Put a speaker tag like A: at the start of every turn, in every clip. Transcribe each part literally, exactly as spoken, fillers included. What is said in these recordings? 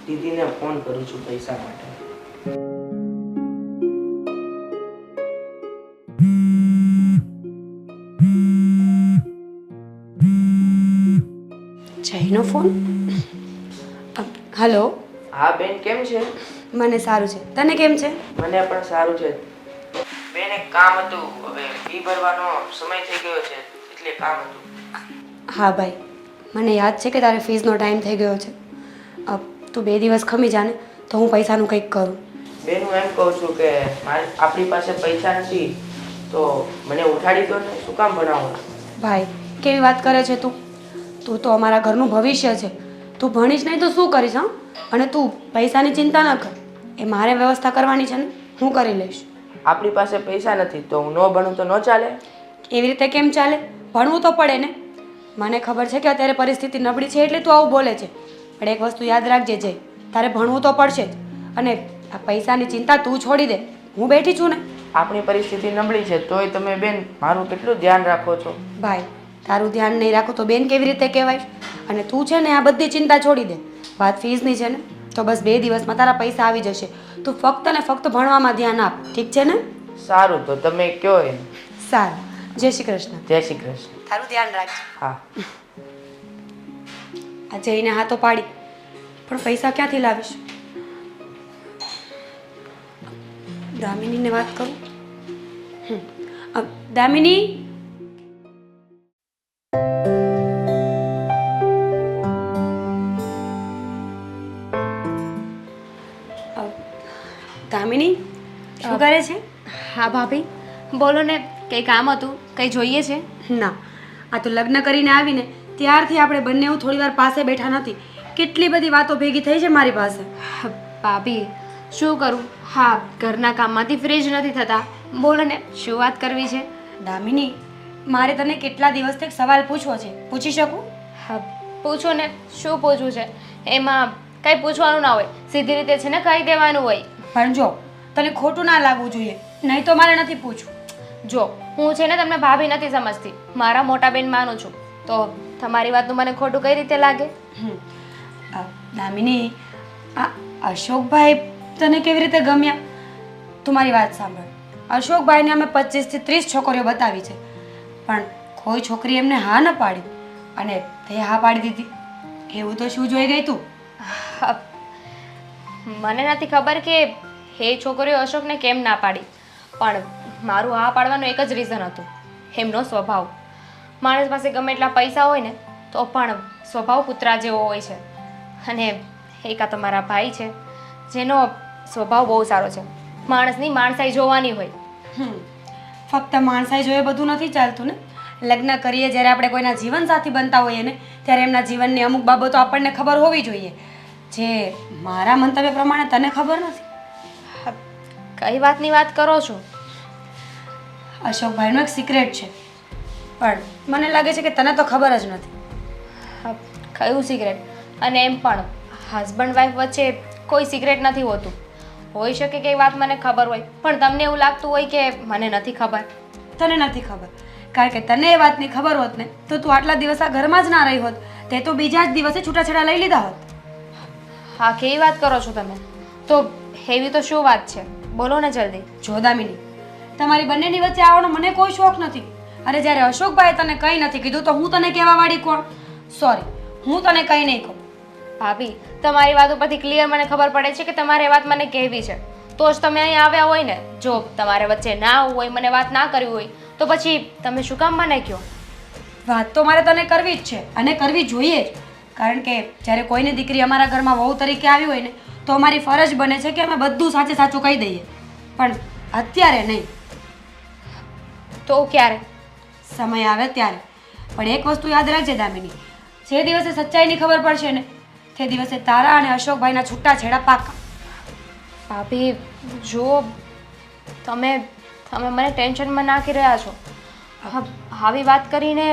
A: દીદીને phone કરું છું પૈસા માટે.
B: જયનો ફોન. હલો.
A: હા બેન, કેમ છે?
B: મને સારું છે, તને કેમ છે?
A: મને પણ સારું છે બેન. એક કામ હતું, હવે ફી ભરવાનો સમય થઈ ગયો છે એટલે કામ હતું.
B: હા ભાઈ, મને યાદ છે કે તારે ફીસનો ટાઈમ થઈ ગયો છે. અ, તું બે દિવસ ખમી જા ને તો હું પૈસાનું કંઈક કરું.
A: બેન, હું એમ કહું છું કે મારી આપણી પાસે પૈસા નથી તો મને ઉઠાડી દો ને, શું કામ ભણાવો?
B: ભાઈ, કેવી વાત કરે છે તું? તું તો અમારા ઘરનું ભવિષ્ય છે. તું ભણીશ નહીં તો શું કરીશ? હા, અને તું પૈસાની ચિંતા ન કર, એ મારે વ્યવસ્થા કરવાની છે ને, હું કરી લઈશ.
A: આપણી પાસે પૈસા નથી તો હું ન ભણું તો ન ચાલે?
B: એવી રીતે કેમ ચાલે? ભણવું તો પડે ને. મને ખબર છે કે અત્યારે પરિસ્થિતિ નબળી છે એટલે તું આવું બોલે છે, પણ એક વસ્તુ યાદ રાખજે જય, તારે ભણવું તો પડશે જ. અને આ પૈસાની ચિંતા તું છોડી દે, હું બેઠી છું ને.
A: આપણી પરિસ્થિતિ નબળી છે તોય તમે બેન મારું કેટલું ધ્યાન રાખો છો.
B: ભાઈ, તારું ધ્યાન નહીં રાખો તો બેન કેવી રીતે કહેવાય? અને તું છે ને આ બધી ચિંતા છોડી દે. વાત ફીસની છે ને તો બસ બે દિવસમાં તારા પૈસા આવી જશે. તું ફક્ત ને ફક્ત ભણવામાં ધ્યાન આપ, ઠીક છે ને?
A: સારું, તો તમે કયો એમ.
B: સારું, જય શ્રી કૃષ્ણ.
A: જય શ્રી કૃષ્ણ.
B: તારું ધ્યાન રાખજે.
A: હા.
B: આ જઈને હા તો પાડી, પણ પૈસા ક્યાંથી લાવીશ? દામિનીને વાત કરું. હમ. અ, દામિની. અ, દામિની શું કરે છે?
C: હા ભાભી, બોલો ને, કંઈ કામ હતું? કંઈ જોઈએ છે?
B: ના, આ તો લગ્ન કરીને આવીને ત્યારથી આપણે બંને થોડી વાર પાસે બેઠા નથી. કેટલી બધી વાતો ભેગી થઈ છે મારી પાસે.
C: ભાભી, શું કરું? હા, ઘરના કામમાંથી ફ્રી જ નથી થતા. બોલો ને, શું વાત કરવી છે?
B: દામિની, મારે તને કેટલા દિવસથી એક સવાલ પૂછવો છે, પૂછી શકું?
C: હા, પૂછો ને, શું પૂછવું છે? એમાં કંઈ પૂછવાનું ના હોય, સીધી રીતે છે ને કહી દેવાનું હોય.
B: પણ જો તને ખોટું ના લાગવું જોઈએ, નહીં તો મારે નથી પૂછવું.
C: જો હું છે ને તમને ભાભી નથી સમજતી, મારા મોટા બેન માનું છું, તો તમારી વાતનું મને ખોટું કઈ રીતે લાગે?
B: હમ. અ, દામિની, આ અશોકભાઈ તને કેવી રીતે ગમ્યા? તું મારી વાત સાંભળ. અશોકભાઈને અમે પચીસથી ત્રીસ છોકરીઓ બતાવી છે, પણ કોઈ છોકરી એમને હા ન પાડી, અને તે હા પાડી દીધી. એવું તો શું જોઈ ગઈ તું?
C: હા, મને નથી ખબર કે એ છોકરીઓ અશોકને કેમ ના પાડી, પણ મારું હા પાડવાનું એક જ રીઝન હતું, એમનો સ્વભાવ. માણસ પાસે ગમે એટલા પૈસા હોય ને તો પણ સ્વભાવ કૂતરા જેવો હોય છે. અને એક આ તમારા ભાઈ છે જેનો સ્વભાવ બહુ સારો છે. માણસની માણસાઈ જોવાની હોય.
B: હમ. ફક્ત માણસાઈ જોઈએ બધું નથી ચાલતું ને. લગ્ન કરીએ જ્યારે આપણે કોઈના જીવનસાથી બનતા હોઈએ ને ત્યારે એમના જીવનની અમુક બાબતો આપણને ખબર હોવી જોઈએ, જે મારા મંતવ્ય પ્રમાણે તને ખબર નથી.
C: કઈ વાતની વાત કરો છો?
B: અશોકભાઈનો એક સિક્રેટ છે, પણ મને લાગે છે કે તને તો ખબર જ નથી.
C: હા, કયું સિક્રેટ? અને એમ પણ હસબન્ડ વાઈફ વચ્ચે કોઈ સિક્રેટ નથી હોતું. હોઈ શકે કે એ વાત મને ખબર હોય, પણ તમને એવું લાગતું હોય કે મને નથી ખબર.
B: તને નથી ખબર કારણ કે તને એ વાતની ખબર હોત ને તો તું આટલા દિવસ આ ઘરમાં જ ના રહી હોત, તે તો બીજા જ દિવસે છૂટાછેડા લઈ લીધા હોત.
C: હા, કેવી વાત કરો છો તમે? તો એવી તો શું વાત છે? બોલો ને જલ્દી.
B: જો દામિની, તમારી બંનેની વચ્ચે આવવાનો મને કોઈ શોખ નથી. અરે જ્યારે અશોકભાઈએ તને કંઈ નથી કીધું તો હું તને કહેવા વાળી કોણ? સોરી, હું તને કંઈ નહીં કહું.
C: ભાભી, તમારી વાત ઉપરથી ક્લિયર મને ખબર પડે છે કે તમારે એ વાત મને કહેવી છે, તો જ તમે અહીં આવ્યા હોય ને. જો તમારે વચ્ચે ના આવવું હોય, મને વાત ના કરવી હોય, તો પછી તમે શું કામ મને કહો?
B: વાત તો મારે તને કરવી જ છે અને કરવી જોઈએ જ, કારણ કે જ્યારે કોઈની દીકરી અમારા ઘરમાં વહુ તરીકે આવી હોય ને તો અમારી ફરજ બને છે કે અમે બધું સાચે સાચું કહી દઈએ, પણ અત્યારે નહીં.
C: તો ક્યારે?
B: સમય આવે ત્યારે. પણ એક વસ્તુ યાદ રાખજે દામિની, જે દિવસે સચ્ચાઈની ખબર પડશે ને તે દિવસે તારા અને અશોકભાઈના છૂટાછેડા પાકા.
C: ભાભી, જો તમે તમે મને ટેન્શનમાં નાખી રહ્યા છો. આવી વાત કરીને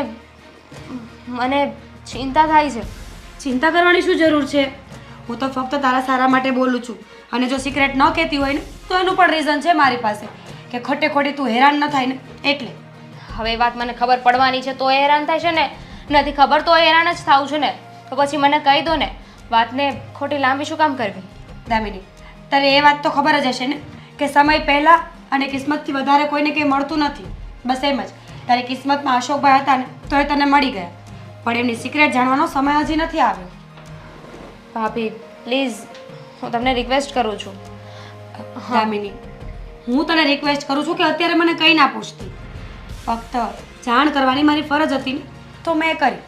C: મને ચિંતા થાય છે.
B: ચિંતા કરવાની શું જરૂર છે? હું તો ફક્ત તારા સારા માટે બોલું છું, અને જો સિક્રેટ ન કહેતી હોય ને તો એનું પણ રીઝન છે મારી પાસે, કે ખોટે ખોટી તું હેરાન ન થાય ને એટલે.
C: હવે વાત મને ખબર પડવાની છે તો હેરાન થાય છે ને, નથી ખબર તો હેરાન જ થાવું છે ને, તો પછી મને કહી દો ને. વાતને ખોટી લાંબી શું કામ કરવી?
B: દામિની, તારે એ વાત તો ખબર જ હશે ને કે સમય પહેલાં અને કિસ્મતથી વધારે કોઈને કંઈ મળતું નથી. બસ એમ જ તારી કિસ્મતમાં અશોકભાઈ હતા ને તો એ તને મળી ગયા, પણ એમની સિક્રેટ જાણવાનો સમય હજી નથી આવ્યો.
C: ભાભી પ્લીઝ, હું તમને રિક્વેસ્ટ કરું છું.
B: દામિની, હું તને રિક્વેસ્ટ કરું છું કે અત્યારે મને કંઈ ના પૂછતી. ફક્ત જાણ કરવાની મારી ફરજ હતી ને તો મેં કરી.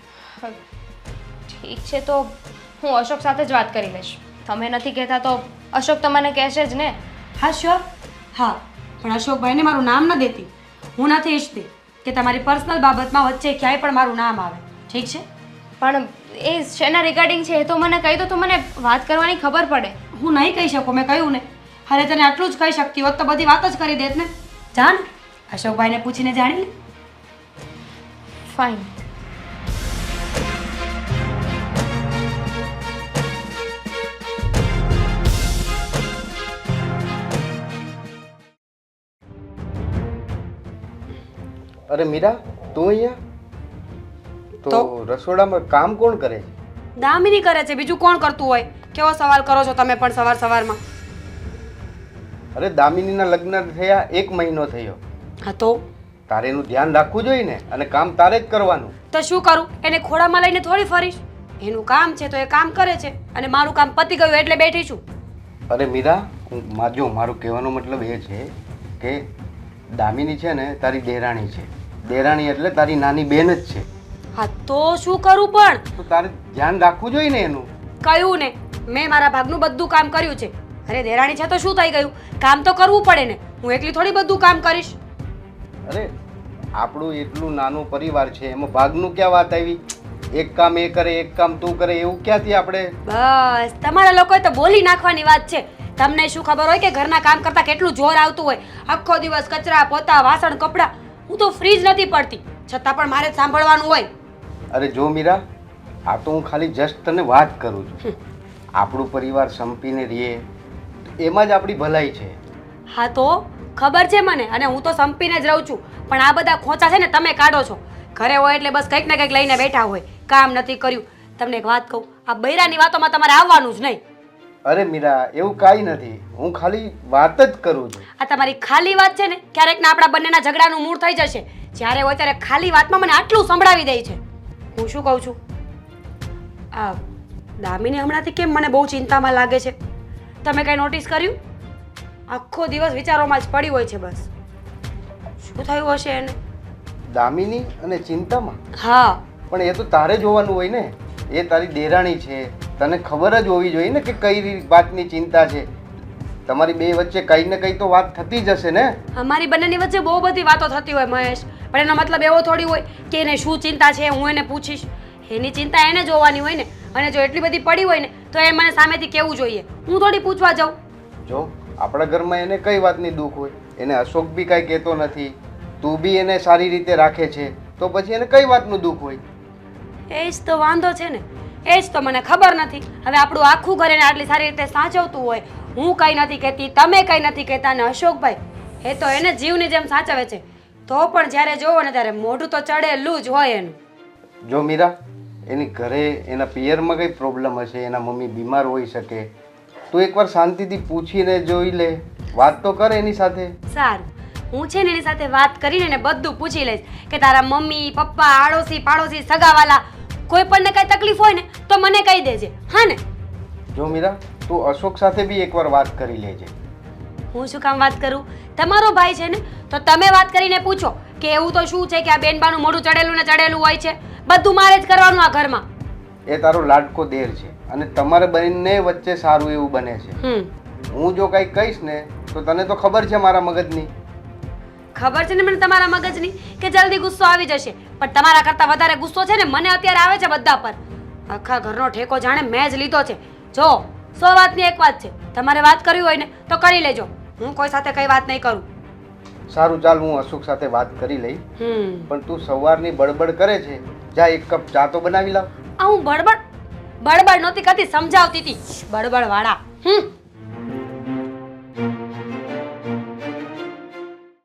C: ઠીક છે, તો હું અશોક સાથે જ વાત કરી લઈશ. તમે નથી કહેતા તો અશોક તમને કહેશે જ ને.
B: હા શ્યોર. હા, પણ અશોકભાઈને મારું નામ ન દેતી. હું નથી ઈચ્છતી કે તમારી પર્સનલ બાબતમાં વચ્ચે ક્યાંય પણ મારું નામ આવે. ઠીક છે?
C: પણ એ શેના રિગાર્ડિંગ છે એ તો મને કહી દો તો મને વાત કરવાની ખબર પડે.
B: હું નહીં કહી શકું, મેં કહ્યું ને. અરે તને આટલું જ કહી શકતી હોત તો બધી વાત જ કરી દેત ને. જાન, અશોકભાઈને પૂછીને જાણી લે.
C: ફાઇન.
D: અરે મીરા, તું અહીંયા? તો
B: તો?
D: રસોડામાં કામ કોણ કરે છે?
B: દામિની કરે છે, બીજું કોણ કરતું હોય? કેવો સવાલ કરો છો તમે પણ સવાર સવારમાં?
D: અરે દામિનીના લગ્ન થયા એક મહિનો થયો.
B: હા તો
D: તારે એનું ધ્યાન રાખવું જોઈએ ને, અને કામ તારે જ કરવાનું.
B: તો શું કરું? એને ખોડામાં લઈને થોડી ફરીશ? એનું કામ છે તો એ કામ કરે છે અને મારું કામ પતી ગયું એટલે બેઠી છું.
D: અરે મીરા, હું મા- જો મારું કહેવાનો મતલબ એ છે કે દામિની છે ને તારી દેરાણી છે. દેરાણી એટલે તારી નાની બેન જ છે.
B: હા તો શું કરું? પણ
D: તો તારે ધ્યાન રાખવું જોઈએ ને એનું.
B: કહ્યું ને, મેં મારા ભાગનું બધું કામ કર્યું છે. અરે દેરાણી છે તો શું થઈ ગયું? કામ તો કરવું પડે ને. હું એકલી થોડી બધું કામ કરીશ.
D: અરે આપણું એટલું નાનું પરિવાર છે, એમાં ભાગનું ક્યાં વાત આવી? એક કામ એ કરે, એક કામ તું કરે, એવું ક્યાંથી આપણે?
B: બસ તમારા લોકોએ તો બોલી નાખવાની વાત છે. તમને શું ખબર હોય કે ઘરના કામ કરતા કેટલું જોર આવતું હોય? આખો દિવસ કચરા પોતા વાસણ કપડાં, હું તો ફ્રી જ નથી પડતી, છતાં પણ મારે જ સાંભળવાનું હોય.
D: અરે જો મીરા, આ તો હું ખાલી જસ્ટ તને વાત કરું છું. આપણું પરિવાર સંપીને રહીએ એમાં જ આપણી ભલાઈ છે.
B: હા તો ખબર છે મને, અને હું તો સંપીને જ રહું છું, પણ આ બધા ખોંચા છે ને તમે કાઢો છો. ઘરે હોય એટલે બસ કંઈક ને કંઈક લઈને બેઠા હોય, કામ નથી કર્યું. તમને એક વાત કહું, આ બૈરાની વાતોમાં તમારે આવવાનું જ નહીં.
D: અરે મીરા, એવું કાંઈ નથી, હું ખાલી વાત જ કરું છું.
B: આ તમારી ખાલી વાત છે ને, ક્યારેક ના આપણા બંનેના ઝઘડાનું મૂળ થઈ જશે. જ્યારે હોય ત્યારે ખાલી વાતમાં મને આટલું સંભળાવી દે છે. હું શું કહું છું, આ દામિની હમણાંથી કેમ મને બહુ ચિંતામાં લાગે છે? તમે કંઈ નોટિસ કર્યું? આખો દિવસ વિચારોમાં જ પડી હોય છે. બસ શું થયું હશે એને?
D: દામિની અને ચિંતામાં?
B: હા,
D: પણ એ તો તારે જોવાનું હોય ને. એ તારી દેરાણી છે, તને ખબર જ હોવી જોઈએ ને કે કઈ રી- વાતની ચિંતા છે. તમારી બે વચ્ચે કંઈ ને કંઈ તો વાત થતી જ હશે ને.
B: અમારી બંનેની વચ્ચે બહુ બધી વાતો થતી હોય મહેશ, પણ એનો મતલબ એવો થોડી હોય કે એને શું ચિંતા છે હું એને પૂછીશ. એની ચિંતા એને જોવાની હોય ને, અને જો એટલી બધી પડી હોય ને તો એ મને સામેથી કહેવું જોઈએ. હું થોડી પૂછવા જાઉં?
D: જો આપણા ઘરમાં એને કઈ વાતની દુઃખ હોય? એને અશોક બી કાંઈ કહેતો નથી, તું બી એને સારી રીતે રાખે છે, તો પછી એને કઈ વાતનું દુઃખ હોય?
B: એ જ તો વાંધો છે ને, એ જ તો મને ખબર નથી. હવે આપણું આખું ઘર એને આટલી સારી રીતે સાચવતું હોય, હું કંઈ નથી કહેતી, તમે કંઈ નથી કહેતા, અને અશોકભાઈ એ તો એને જીવની જેમ સાચવે છે, તો પણ જ્યારે જોવો ને ત્યારે મોઢું તો ચડેલું જ હોય એનું.
D: જો મીરા, એની ઘરે એના પિયરમાં કંઈ પ્રોબ્લેમ હશે, એના મમ્મી બીમાર હોઈ શકે, તું એકવાર શાંતિથી પૂછીને જોઈ લે, વાત તો કર એની સાથે.
B: સારું, હું છે ને એની સાથે વાત કરીને એને બધું પૂછી લઈશ કે તારા મમ્મી પપ્પા આડોશી પાડોશી સગાવાલા કોઈ પણને કાંઈ તકલીફ હોય ને તો મને કહી દેજે. હા ને?
D: જો મીરા, તું અશોક સાથે બી એકવાર વાત કરી લેજે.
B: હું શું કામ વાત કરું? તમારો ભાઈ છે ને, તો તમે વાત કરીને પૂછો કે એવું તો શું છે કે આ બેનબાનું મોઢું ચડેલું ને ચડેલું હોય છે, બધું મારે જ કરવાનું આ ઘરમાં.
D: એ તારો લાડકો દેર છે, અને તમારે બંને વચ્ચે સારું એવું બને છે.
B: હમ
D: હું જો કંઈ કહીશ ને તો તને તો ખબર છે મારા મગજની.
B: ખબર છે ને મને તમારા મગજની કે જલ્દી ગુસ્સો આવી જશે, પણ તમારા કરતાં વધારે ગુસ્સો છે ને મને અત્યારે આવે છે બધા પર. આખા ઘરનો ઠેકો જાણે મેં જ લીધો છે. જો સો વાતની એક વાત છે, તમારે વાત કરવી હોય ને તો કરી લેજો, હું કોઈ સાથે કઈ વાત નહીં કરું.
D: સારું, ચાલ હું અશોક સાથે વાત કરી લઈ.
B: હમ
D: પણ તું સવારની બડબડ કરે છે, જા એક કપ ચા તો બનાવી લાવ.
B: આ હું બડબડ બડબડ નહોતી કરતી, સમજાવતી હતી. બડબડ વાળા. હમ